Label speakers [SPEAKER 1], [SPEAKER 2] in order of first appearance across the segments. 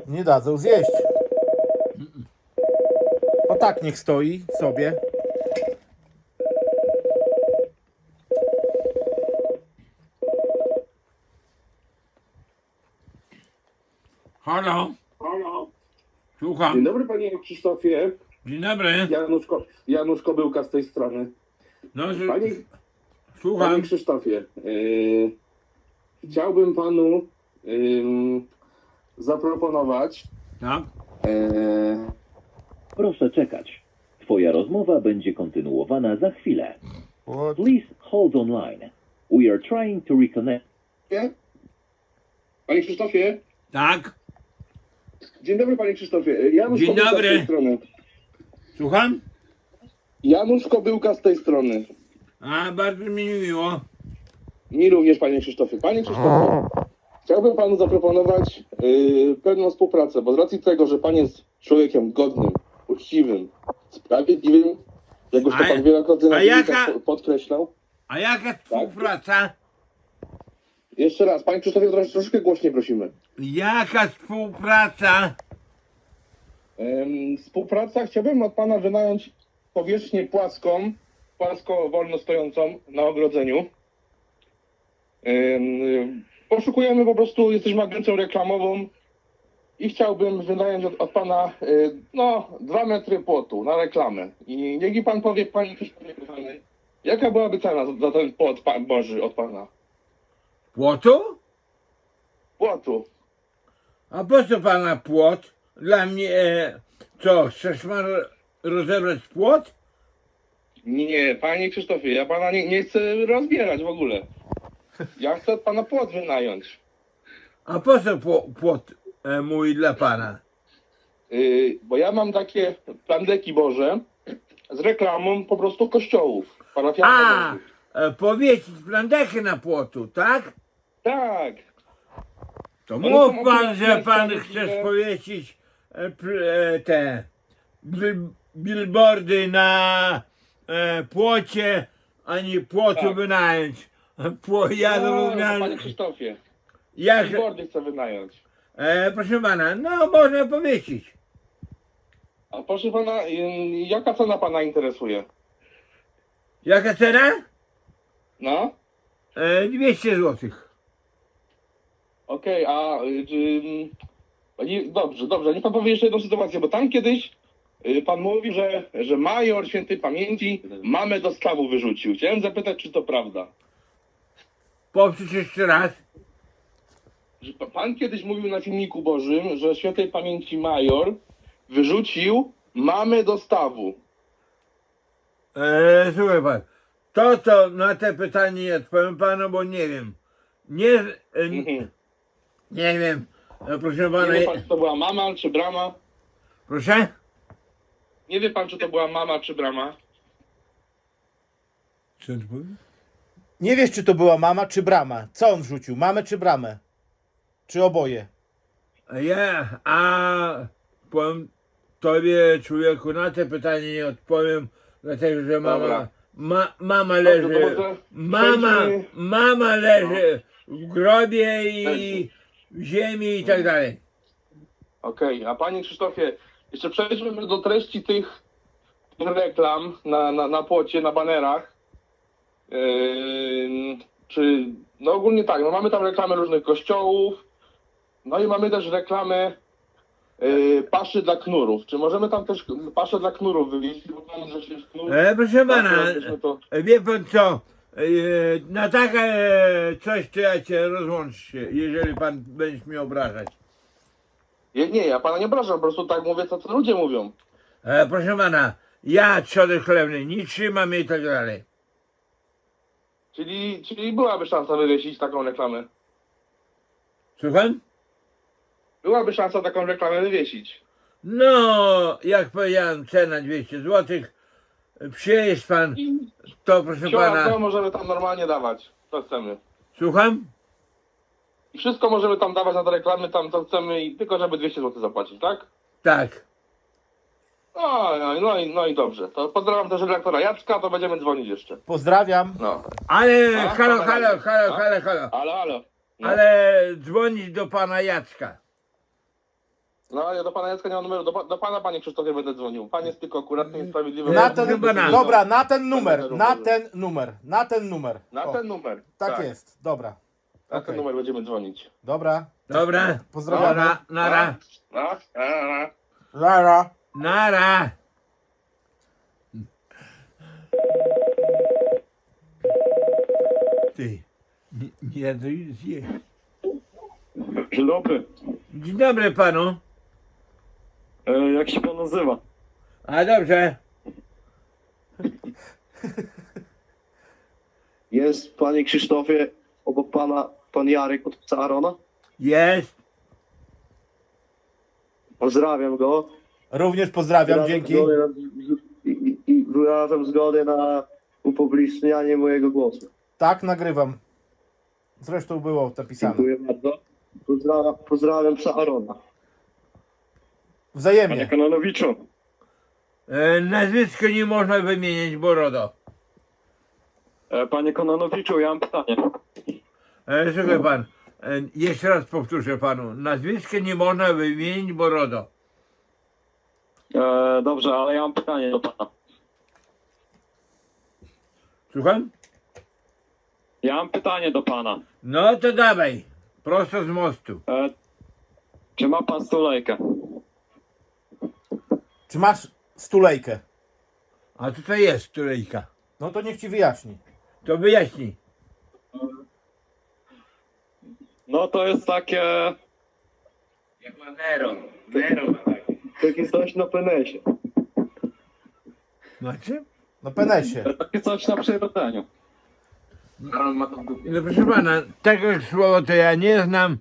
[SPEAKER 1] Nie dadzą zjeść. O tak niech stoi sobie.
[SPEAKER 2] Halo,
[SPEAKER 3] Halo.
[SPEAKER 2] słucham.
[SPEAKER 3] Dzień dobry panie Krzysztofie.
[SPEAKER 2] Dzień dobry.
[SPEAKER 3] Janusz Kobyłka z tej strony.
[SPEAKER 2] No,
[SPEAKER 3] Panie
[SPEAKER 2] słucham.
[SPEAKER 3] Krzysztofie, chciałbym panu zaproponować.
[SPEAKER 2] Tak?
[SPEAKER 4] Proszę czekać. Twoja rozmowa będzie kontynuowana za chwilę.
[SPEAKER 1] What?
[SPEAKER 4] Please hold online. We are trying to reconnect.
[SPEAKER 3] Panie Krzysztofie.
[SPEAKER 2] Tak?
[SPEAKER 3] Dzień dobry panie Krzysztofie. Janusz
[SPEAKER 2] Dzień
[SPEAKER 3] Kobyłka
[SPEAKER 2] dobry.
[SPEAKER 3] z tej strony.
[SPEAKER 2] Słucham?
[SPEAKER 3] Janusz Kobyłka z tej strony.
[SPEAKER 2] A, bardzo mi miło.
[SPEAKER 3] Mi również panie Krzysztofie. Panie Krzysztofie, chciałbym panu zaproponować pewną współpracę, bo z racji tego, że pan jest człowiekiem godnym, uczciwym, sprawiedliwym, jak już to
[SPEAKER 2] A-
[SPEAKER 3] pan wielokrotnie na
[SPEAKER 2] a
[SPEAKER 3] filmikach
[SPEAKER 2] jaka-
[SPEAKER 3] podkreślał.
[SPEAKER 2] A jaka współpraca?
[SPEAKER 3] Jeszcze raz, panie Krzysztofie, troszeczkę głośniej prosimy.
[SPEAKER 2] Jaka współpraca?
[SPEAKER 3] Współpraca, chciałbym od pana wynająć powierzchnię płasko wolno stojącą na ogrodzeniu. Poszukujemy po prostu, jesteśmy agencją reklamową i chciałbym wynająć od pana 2 metry płotu na reklamę. I niech mi pan powie, panie Krzysztofie kochany, jaka byłaby cena za ten płot Boży od pana?
[SPEAKER 2] Płotu?
[SPEAKER 3] Płotu.
[SPEAKER 2] A po co pana płot? Dla mnie, co, chcesz pan rozebrać płot?
[SPEAKER 3] Nie, panie Krzysztofie, ja pana nie chcę rozbierać w ogóle. Ja chcę od pana płot wynająć.
[SPEAKER 2] A po co płot mój dla pana?
[SPEAKER 3] Bo ja mam takie plandeki Boże z reklamą po prostu kościołów
[SPEAKER 2] A,
[SPEAKER 3] parafialnych.
[SPEAKER 2] powiesić plandechy na płotu, tak?
[SPEAKER 3] Tak.
[SPEAKER 2] To
[SPEAKER 3] Ale
[SPEAKER 2] mów
[SPEAKER 3] to
[SPEAKER 2] pan,
[SPEAKER 3] akurat
[SPEAKER 2] że
[SPEAKER 3] ja
[SPEAKER 2] pan
[SPEAKER 3] tam
[SPEAKER 2] chcesz
[SPEAKER 3] widzę-
[SPEAKER 2] powiesić te billboardy na płocie, a nie płotu
[SPEAKER 3] Tak.
[SPEAKER 2] wynająć. Ja
[SPEAKER 3] No,
[SPEAKER 2] zrozumiałem.
[SPEAKER 3] panie Krzysztofie,
[SPEAKER 2] Jak,
[SPEAKER 3] billboardy chcę wynająć.
[SPEAKER 2] proszę pana, no można powiesić.
[SPEAKER 3] A proszę pana, jaka cena pana interesuje?
[SPEAKER 2] Jaka cena?
[SPEAKER 3] No?
[SPEAKER 2] 200 zł.
[SPEAKER 3] Okej, dobrze, niech pan powie jeszcze jedną sytuację, bo tam kiedyś pan mówi, że major świętej pamięci mamę do stawu wyrzucił. Chciałem zapytać, czy to prawda.
[SPEAKER 2] Powtórz jeszcze raz.
[SPEAKER 3] Że pan kiedyś mówił na filmiku Bożym, że świętej pamięci major wyrzucił mamę do stawu.
[SPEAKER 2] Słuchaj pan, to na te pytanie nie odpowiem panu, bo nie wiem.
[SPEAKER 3] Mhm.
[SPEAKER 2] Nie wiem, proszę
[SPEAKER 3] Nie
[SPEAKER 2] pana.
[SPEAKER 3] wie pan, czy to była mama, czy brama?
[SPEAKER 2] Proszę?
[SPEAKER 3] Nie wie pan, czy to była mama, czy brama?
[SPEAKER 2] Co ty powiesz?
[SPEAKER 1] Nie wiesz, czy to była mama, czy brama. Co on wrzucił? Mamę, czy bramę? Czy oboje?
[SPEAKER 2] Powiem tobie, człowieku, na te pytanie nie odpowiem, dlatego że
[SPEAKER 3] Dobra.
[SPEAKER 2] mama
[SPEAKER 3] Dobrze,
[SPEAKER 2] leży,
[SPEAKER 3] to może przejdźmy-
[SPEAKER 2] mama leży w grobie i w ziemi i tak dalej.
[SPEAKER 3] Okej, a panie Krzysztofie, jeszcze przejdźmy do treści tych reklam na płocie, na banerach. No ogólnie tak, no mamy tam reklamy różnych kościołów, no i mamy też reklamy paszy dla knurów. Czy możemy tam też paszę dla knurów wywieźć? Bo tam, że się knur...
[SPEAKER 2] Proszę pana,
[SPEAKER 3] to...
[SPEAKER 2] wie pan co, na takie coś to ja cię rozłączę, jeżeli pan będziesz mnie obrażać.
[SPEAKER 3] Nie, ja pana nie obrażam, po prostu tak mówię, co ludzie mówią.
[SPEAKER 2] Proszę pana, ja trzody chlewnej nie trzymam i tak dalej.
[SPEAKER 3] Czyli byłaby szansa wywiesić taką reklamę.
[SPEAKER 2] Słucham?
[SPEAKER 3] Byłaby szansa taką reklamę wywiesić.
[SPEAKER 2] No, jak powiedziałem, cena 200 zł. Przyjeźdź pan,
[SPEAKER 3] I
[SPEAKER 2] to proszę
[SPEAKER 3] to
[SPEAKER 2] pana.
[SPEAKER 3] możemy tam normalnie dawać, co chcemy.
[SPEAKER 2] Słucham?
[SPEAKER 3] I wszystko możemy tam dawać na te reklamy, tam co chcemy, i tylko żeby 200 zł zapłacić, tak?
[SPEAKER 2] Tak.
[SPEAKER 3] No i dobrze. To pozdrawiam też redaktora Jacka, to będziemy dzwonić jeszcze.
[SPEAKER 1] Pozdrawiam.
[SPEAKER 3] No.
[SPEAKER 2] Ale
[SPEAKER 3] A,
[SPEAKER 2] halo.
[SPEAKER 3] Halo. No.
[SPEAKER 2] Ale dzwonić do pana Jacka.
[SPEAKER 3] No, ja do pana Jacka nie mam numeru, do pana, panie Krzysztofie, będę dzwonił. Pan jest tylko akuratny i sprawiedliwy.
[SPEAKER 1] Na ten,
[SPEAKER 2] chyba na-
[SPEAKER 1] dobra, na ten numer,
[SPEAKER 3] Będę
[SPEAKER 1] na
[SPEAKER 3] numeru.
[SPEAKER 1] ten numer, na ten numer.
[SPEAKER 3] Na
[SPEAKER 1] O,
[SPEAKER 3] ten numer.
[SPEAKER 1] tak jest, dobra.
[SPEAKER 3] Na
[SPEAKER 1] Okej.
[SPEAKER 3] ten numer będziemy dzwonić.
[SPEAKER 1] Dobra,
[SPEAKER 2] Dobra.
[SPEAKER 1] pozdrawiamy.
[SPEAKER 2] Nara.
[SPEAKER 3] No,
[SPEAKER 1] Lara.
[SPEAKER 2] Nara. Ty. Nie, to już zjeść.
[SPEAKER 5] Dzień dobry.
[SPEAKER 2] Dzień dobry panu.
[SPEAKER 5] Jak się pan nazywa?
[SPEAKER 2] A dobrze.
[SPEAKER 5] Jest panie Krzysztofie obok pana pan Jarek od psa Arona?
[SPEAKER 2] Jest.
[SPEAKER 5] Pozdrawiam go.
[SPEAKER 1] Również pozdrawiam,
[SPEAKER 5] Wyrażam
[SPEAKER 1] dzięki.
[SPEAKER 5] zgodę I wyrażam zgodę na upublicznianie mojego głosu.
[SPEAKER 1] Tak, nagrywam. Zresztą było napisane.
[SPEAKER 5] Dziękuję bardzo. Pozdrawiam psa Arona.
[SPEAKER 1] Wzajemnie.
[SPEAKER 5] Kononowiczu.
[SPEAKER 2] Nazwisko nie można wymienić, bo RODO.
[SPEAKER 5] Panie Kononowiczu, ja mam pytanie.
[SPEAKER 2] Słuchaj pan. Jeszcze raz powtórzę panu. Nazwisko nie można wymienić, bo RODO.
[SPEAKER 5] Dobrze, ale ja mam pytanie do pana.
[SPEAKER 2] Słucham?
[SPEAKER 5] Ja mam pytanie do pana.
[SPEAKER 2] No to dawaj. Prosto z mostu.
[SPEAKER 5] Czy ma pan stulejkę?
[SPEAKER 1] Czy masz stulejkę?
[SPEAKER 2] A co to jest tulejka?
[SPEAKER 1] No to niech ci wyjaśni.
[SPEAKER 2] To wyjaśnij.
[SPEAKER 5] No to jest takie...
[SPEAKER 3] Jak ma Nero.
[SPEAKER 5] Takie coś na penesie.
[SPEAKER 2] Znaczy?
[SPEAKER 1] No penesie.
[SPEAKER 5] Takie coś na przyrodzeniu.
[SPEAKER 3] Aaron ma to w dupie.
[SPEAKER 2] No proszę pana, tego słowa to ja nie znam.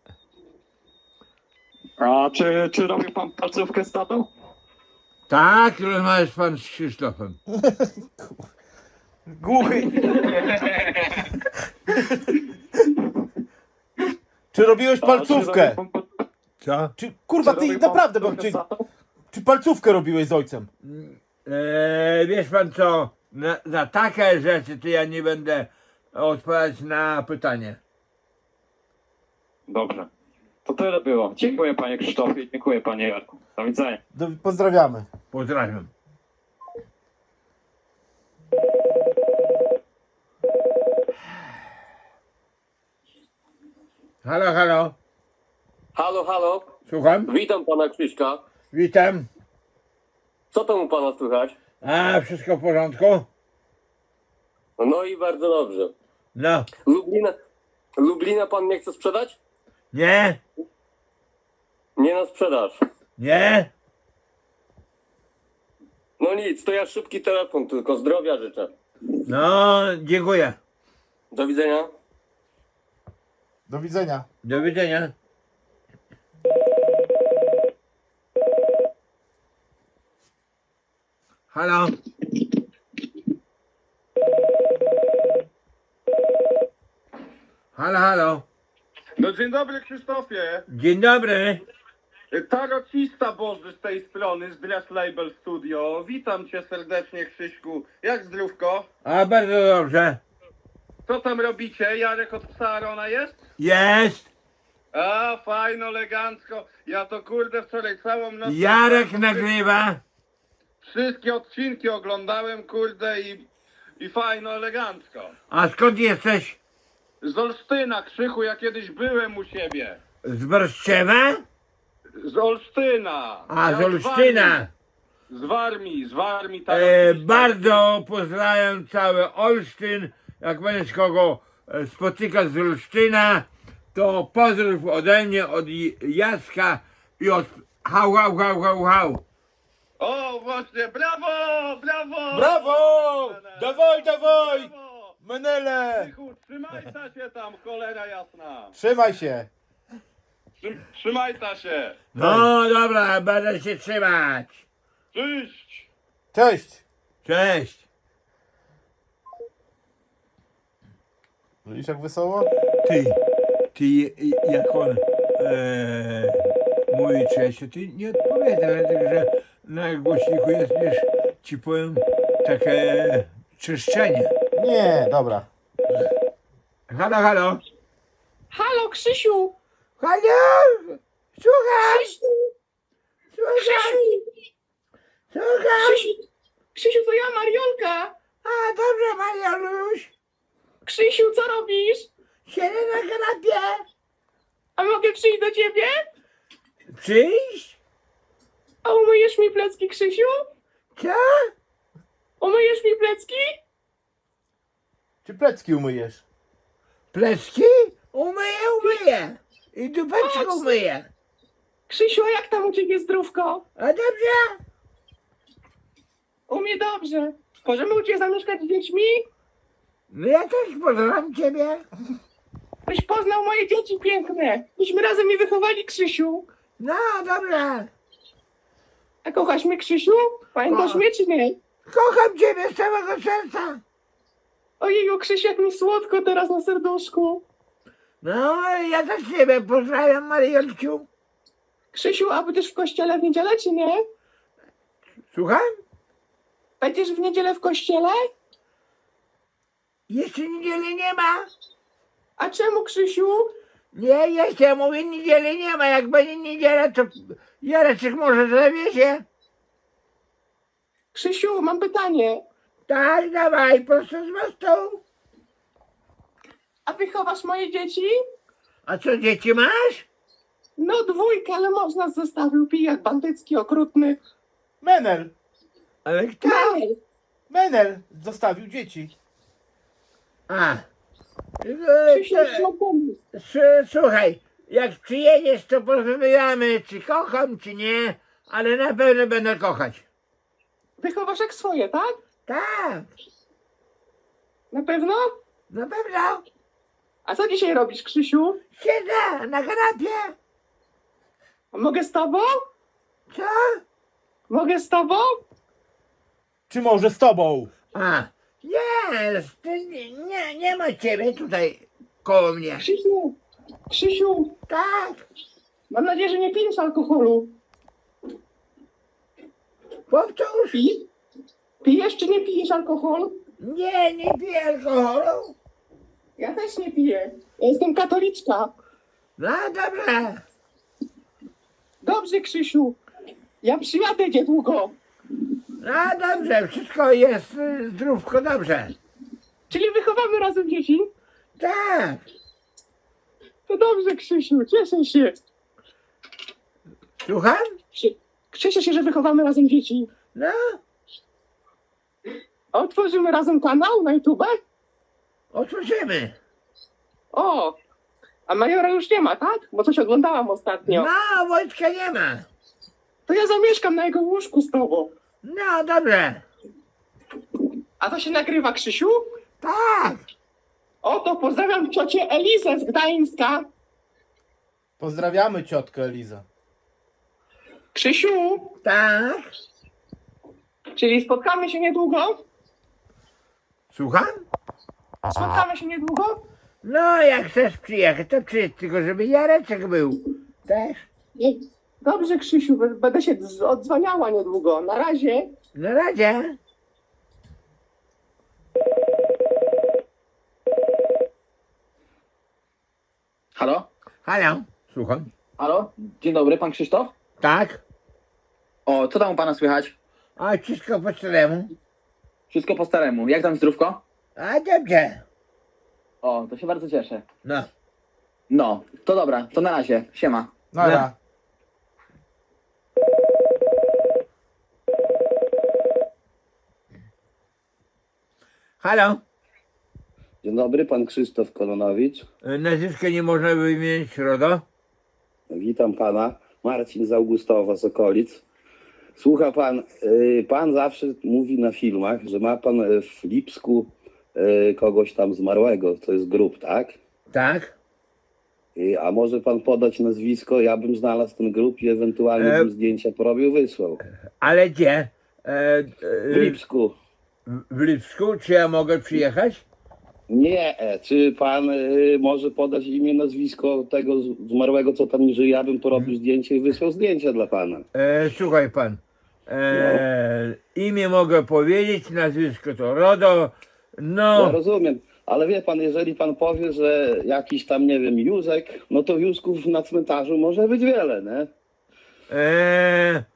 [SPEAKER 5] A czy robi pan palcówkę z tatą?
[SPEAKER 2] Tak, rozmawiasz pan z Krzysztofem.
[SPEAKER 1] Głuchy. Czy robiłeś palcówkę?
[SPEAKER 2] Co?
[SPEAKER 1] Czy kurwa ty naprawdę, bo czy palcówkę robiłeś z ojcem?
[SPEAKER 2] Wiesz pan co, za takie rzeczy to ja nie będę odpowiadać na pytanie.
[SPEAKER 5] Dobrze. To tyle było. Dziękuję panie Krzysztofie, dziękuję panie Jarku. Do widzenia.
[SPEAKER 1] Pozdrawiamy.
[SPEAKER 2] Pozdrawiam. Halo, halo.
[SPEAKER 6] Halo, halo,
[SPEAKER 2] Słucham?
[SPEAKER 6] witam pana Krzyśka.
[SPEAKER 2] Witam.
[SPEAKER 6] Co tam u pana słychać?
[SPEAKER 2] A, wszystko w porządku?
[SPEAKER 6] No i bardzo dobrze.
[SPEAKER 2] No.
[SPEAKER 6] Lublina pan nie chce sprzedać?
[SPEAKER 2] Nie?
[SPEAKER 6] Nie na sprzedaż.
[SPEAKER 2] Nie?
[SPEAKER 6] No nic, to ja szybki telefon, tylko zdrowia życzę.
[SPEAKER 2] No, dziękuję.
[SPEAKER 6] Do widzenia.
[SPEAKER 1] Do widzenia.
[SPEAKER 2] Do widzenia. Halo? Halo, halo.
[SPEAKER 7] No dzień dobry Krzysztofie.
[SPEAKER 2] Dzień dobry.
[SPEAKER 7] Tarocista Boży z tej strony, z Brass Label Studio. Witam cię serdecznie Krzyśku. Jak zdrówko?
[SPEAKER 2] A, bardzo dobrze.
[SPEAKER 7] Co tam robicie? Jarek od psa Arona jest?
[SPEAKER 2] Jest.
[SPEAKER 7] A, fajno, elegancko. Ja to kurde wczoraj całą noc...
[SPEAKER 2] Jarek nagrywa.
[SPEAKER 7] Wszystkie odcinki oglądałem kurde i fajno, elegancko.
[SPEAKER 2] A skąd jesteś?
[SPEAKER 7] Z Olsztyna, Krzychu, ja kiedyś byłem u siebie.
[SPEAKER 2] Z Brzczewa?
[SPEAKER 7] Z Olsztyna.
[SPEAKER 2] A,
[SPEAKER 7] Ja
[SPEAKER 2] z Olsztyna.
[SPEAKER 7] Z Warmii. tarocista.
[SPEAKER 2] Bardzo pozdrawiam cały Olsztyn. Jak będziesz kogo spotykać z Olsztyna, to pozdrów ode mnie, od Jacka i od hał, hał, hał, hał, hał.
[SPEAKER 7] O, właśnie, brawo!
[SPEAKER 1] Brawo! Dawaj, dawaj!
[SPEAKER 7] Brawo!
[SPEAKER 1] Menele!
[SPEAKER 7] Krzychu, trzymaj ta się tam, cholera jasna.
[SPEAKER 1] Trzymaj się.
[SPEAKER 7] Trzymaj ta się.
[SPEAKER 2] No dobra, będę się trzymać.
[SPEAKER 7] Cześć.
[SPEAKER 1] Cześć.
[SPEAKER 2] Cześć.
[SPEAKER 1] Widzisz jak wesoło?
[SPEAKER 2] Ty jak on mówi cześć, to ty nie odpowiada, dlatego że na głośniku jest, wiesz, ci powiem, takie czyszczenie.
[SPEAKER 1] Nie, dobra.
[SPEAKER 2] Halo, halo.
[SPEAKER 8] Halo, Krzysiu!
[SPEAKER 2] Halo! Słuchaj!
[SPEAKER 8] Krzysiu!
[SPEAKER 2] Słucham?
[SPEAKER 8] Krzysiu, to ja, Mariolka.
[SPEAKER 2] A, dobrze, Marioluś.
[SPEAKER 8] Krzysiu, co robisz?
[SPEAKER 2] Siedzę na kanapie.
[SPEAKER 8] A mogę przyjść do ciebie?
[SPEAKER 2] Przyjść?
[SPEAKER 8] A umyjesz mi plecki, Krzysiu?
[SPEAKER 2] Co?
[SPEAKER 8] Umyjesz mi plecki?
[SPEAKER 1] Czy plecki umyjesz?
[SPEAKER 2] Plecki? Umyję. I dupeczkę umyję.
[SPEAKER 8] Krzysiu, a jak tam u ciebie zdrówko?
[SPEAKER 2] A dobrze?
[SPEAKER 8] U mnie dobrze. Możemy u ciebie zamieszkać z dziećmi?
[SPEAKER 2] No ja też pozdrawiam ciebie.
[SPEAKER 8] Byś poznał moje dzieci piękne. Myśmy razem je wychowali, Krzysiu.
[SPEAKER 2] No, dobrze.
[SPEAKER 8] A kochasz mnie, Krzysiu? Pamiętasz mnie, czy nie?
[SPEAKER 2] Kocham ciebie z całego serca.
[SPEAKER 8] Ojeju, Krzysiu, jak mi słodko teraz na serduszku.
[SPEAKER 2] No, ja też ciebie pozdrawiam, Mariolciu.
[SPEAKER 8] Krzysiu, a będziesz w kościele w niedzielę, czy nie?
[SPEAKER 2] Słucham?
[SPEAKER 8] Będziesz w niedzielę w kościele?
[SPEAKER 2] Jeszcze niedzieli nie ma.
[SPEAKER 8] A czemu, Krzysiu?
[SPEAKER 2] Nie, jeszcze mówię, niedzieli nie ma. Jak będzie niedziela, to Jareczek może zawiezie.
[SPEAKER 8] Krzysiu, mam pytanie.
[SPEAKER 2] Tak, dawaj, prosto z mostu.
[SPEAKER 8] A wychowasz moje dzieci?
[SPEAKER 2] A co, dzieci masz?
[SPEAKER 8] No 2, ale mąż nas zostawił, pijak bandycki, okrutny.
[SPEAKER 1] Menel!
[SPEAKER 2] Ale kto?
[SPEAKER 8] Menel.
[SPEAKER 1] Menel zostawił dzieci.
[SPEAKER 2] A.
[SPEAKER 8] Krzysiu, no pomysł.
[SPEAKER 2] Słuchaj, jak przyjedziesz, to porozmawiamy, czy kocham, czy nie, ale na pewno będę kochać.
[SPEAKER 8] Wychowasz jak swoje, tak?
[SPEAKER 2] Tak,
[SPEAKER 8] Na pewno?
[SPEAKER 2] na pewno.
[SPEAKER 8] A co dzisiaj robisz, Krzysiu?
[SPEAKER 2] Siedzę na kanapie.
[SPEAKER 8] A mogę z tobą?
[SPEAKER 2] Co?
[SPEAKER 8] Mogę z tobą?
[SPEAKER 1] Czy może z tobą?
[SPEAKER 2] A, nie ma ciebie tutaj koło mnie.
[SPEAKER 8] Krzysiu,
[SPEAKER 2] Tak,
[SPEAKER 8] mam nadzieję, że nie pijesz alkoholu.
[SPEAKER 2] powtórz.
[SPEAKER 8] Pijesz czy nie pijesz alkohol?
[SPEAKER 2] Nie piję alkoholu.
[SPEAKER 8] Ja też nie piję. Ja jestem katoliczka.
[SPEAKER 2] No dobrze.
[SPEAKER 8] Dobrze, Krzysiu. Ja przyjadę niedługo.
[SPEAKER 2] No dobrze, wszystko jest zdrówko dobrze.
[SPEAKER 8] Czyli wychowamy razem dzieci?
[SPEAKER 2] Tak,
[SPEAKER 8] To dobrze, Krzysiu. Cieszę się.
[SPEAKER 2] słucham?
[SPEAKER 8] Cieszę się, że wychowamy razem dzieci.
[SPEAKER 2] No,
[SPEAKER 8] Otworzymy razem kanał na YouTube?
[SPEAKER 2] otworzymy.
[SPEAKER 8] O! A Majora już nie ma, tak? Bo coś oglądałam ostatnio.
[SPEAKER 2] No, Wojtka nie ma.
[SPEAKER 8] To ja zamieszkam na jego łóżku z tobą.
[SPEAKER 2] No dobrze.
[SPEAKER 8] A to się nagrywa, Krzysiu?
[SPEAKER 2] Tak,
[SPEAKER 8] O, to pozdrawiam ciocię Elizę z Gdańska.
[SPEAKER 1] Pozdrawiamy ciotkę Eliza.
[SPEAKER 8] Krzysiu,
[SPEAKER 2] tak.
[SPEAKER 8] czyli spotkamy się niedługo?
[SPEAKER 2] Słucham?
[SPEAKER 8] Spotkamy się niedługo?
[SPEAKER 2] No, jak chcesz przyjechać, to przyjedź, tylko żeby Jareczek był. Też?
[SPEAKER 8] Nie. Dobrze, Krzysiu, będę się odzwaniała niedługo. Na razie.
[SPEAKER 2] Na razie.
[SPEAKER 9] Halo?
[SPEAKER 2] Halo, słucham.
[SPEAKER 9] Halo? Dzień dobry, pan Krzysztof?
[SPEAKER 2] Tak?
[SPEAKER 9] O, co tam u pana słychać?
[SPEAKER 2] A wszystko po staremu?
[SPEAKER 9] Wszystko po staremu. Jak tam zdrówko?
[SPEAKER 2] A dobrze.
[SPEAKER 9] O, to się bardzo cieszę.
[SPEAKER 2] No.
[SPEAKER 9] No, to dobra, to na razie. Siema.
[SPEAKER 1] Nara.
[SPEAKER 2] Halo?
[SPEAKER 5] Dzień dobry, pan Krzysztof Kononowicz.
[SPEAKER 2] Nazwiska nie można wymienić, RODO?
[SPEAKER 5] Witam pana. Marcin z Augustowa, z okolic. Słucha pan, pan zawsze mówi na filmach, że ma pan w Lipsku kogoś tam zmarłego, to jest grób, tak?
[SPEAKER 2] Tak.
[SPEAKER 5] A może pan podać nazwisko? Ja bym znalazł ten grób i ewentualnie bym zdjęcia porobił, wysłał.
[SPEAKER 2] Ale gdzie?
[SPEAKER 5] W Lipsku.
[SPEAKER 2] W Lipsku? Czy ja mogę przyjechać?
[SPEAKER 5] Nie, czy pan może podać imię, nazwisko tego zmarłego, co tam nie żyje? Ja bym porobił zdjęcie i wysłał zdjęcia dla pana.
[SPEAKER 2] Słuchaj pan. Imię mogę powiedzieć, nazwisko to RODO.
[SPEAKER 5] No
[SPEAKER 2] No,
[SPEAKER 5] rozumiem, ale wie pan, jeżeli pan powie, że jakiś tam, nie wiem, Józek, no to Józków na cmentarzu może być wiele, nie?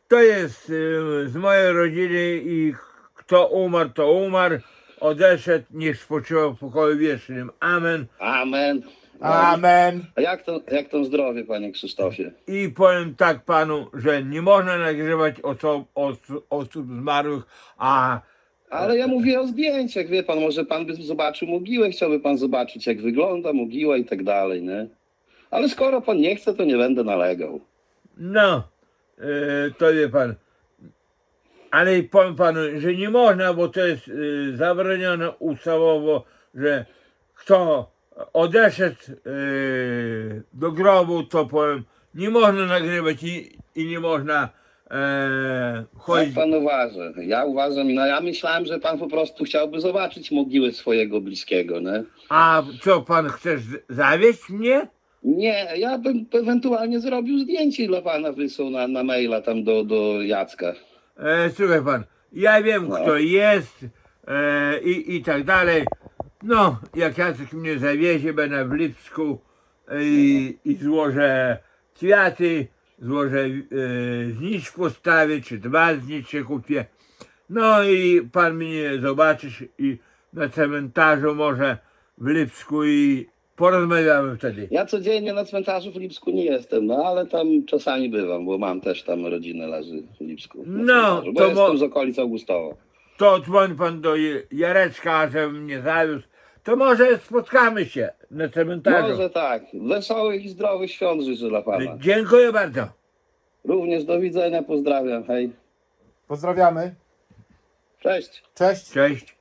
[SPEAKER 2] To jest z mojej rodziny i kto umarł, to umarł. Odeszedł, niech spoczywa w pokoju wiecznym. Amen.
[SPEAKER 5] Amen.
[SPEAKER 1] Amen.
[SPEAKER 5] A jak to zdrowie, panie Krzysztofie?
[SPEAKER 2] I powiem tak panu, że nie można nagrywać osób zmarłych, a
[SPEAKER 5] Ale ja mówię o zdjęciach, wie pan, może pan by zobaczył mogiłę, chciałby pan zobaczyć, jak wygląda mogiła i tak dalej, nie? Ale skoro pan nie chce, to nie będę nalegał.
[SPEAKER 2] no, to wie pan. Ale powiem panu, że nie można, bo to jest zabronione ustawowo, że kto odeszedł do grobu, to powiem, nie można nagrywać i nie można
[SPEAKER 5] Jak
[SPEAKER 2] chodzić.
[SPEAKER 5] pan uważa? Ja uważam, no ja myślałem, że pan po prostu chciałby zobaczyć mogiłę swojego bliskiego, nie?
[SPEAKER 2] A co pan chcesz zawieść mnie?
[SPEAKER 5] Nie, ja bym ewentualnie zrobił zdjęcie i dla pana wysłał na maila tam do Jacka.
[SPEAKER 2] Słuchaj pan, ja wiem
[SPEAKER 5] No.
[SPEAKER 2] kto jest i tak dalej. No, jak Jacek mnie zawiezie, będę w Lipsku i złożę kwiaty, złożę znicz postawię, czy 2 znicze kupię. No i pan mnie zobaczysz i na cmentarzu może w Lipsku i porozmawiamy wtedy.
[SPEAKER 5] Ja codziennie na cmentarzu w Lipsku nie jestem, no ale tam czasami bywam, bo mam też tam rodzinę leży w Lipsku. na
[SPEAKER 2] No,
[SPEAKER 5] cmentarzu, bo
[SPEAKER 2] to
[SPEAKER 5] jestem z okolic Augustowa.
[SPEAKER 2] To dzwoń pan do Jareczka, żeby mnie zawiózł. To może spotkamy się na cmentarzu.
[SPEAKER 5] Może tak. Wesołych i zdrowych świąt życzę dla pana.
[SPEAKER 2] Dziękuję bardzo.
[SPEAKER 5] Również do widzenia, pozdrawiam, hej.
[SPEAKER 1] Pozdrawiamy.
[SPEAKER 5] Cześć.
[SPEAKER 1] Cześć.
[SPEAKER 2] Cześć.